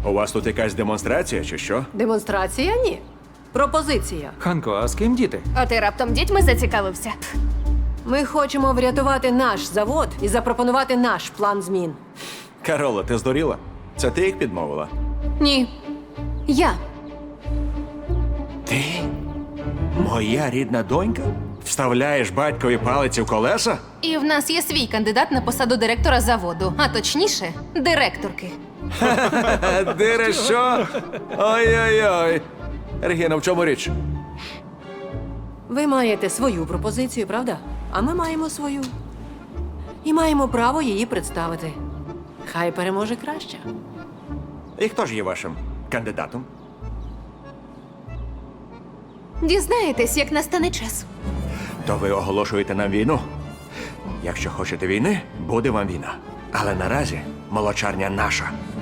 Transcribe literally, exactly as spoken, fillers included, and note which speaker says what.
Speaker 1: У вас тут якась демонстрація, чи що?
Speaker 2: Демонстрація? Ні. Пропозиція.
Speaker 3: Ханко, а з ким діти?
Speaker 4: А ти раптом дітьми зацікавився?
Speaker 2: Ми хочемо врятувати наш завод і запропонувати наш план змін.
Speaker 1: Кароло, ти здуріла? Це ти їх підмовила?
Speaker 4: Ні. Я.
Speaker 1: Ти? Моя рідна донька? Вставляєш батькові палиці в колеса?
Speaker 4: І в нас є свій кандидат на посаду директора заводу, а точніше, директорки.
Speaker 1: Дире, що? Ой-ой-ой. Регіна, в чому річ?
Speaker 2: Ви маєте свою пропозицію, правда? А ми маємо свою. І маємо право її представити. Хай переможе краще.
Speaker 1: І хто ж є вашим кандидатом?
Speaker 4: Дізнаєтесь, як настане час.
Speaker 1: То ви оголошуєте нам війну? Якщо хочете війни, буде вам війна. Але наразі молочарня наша.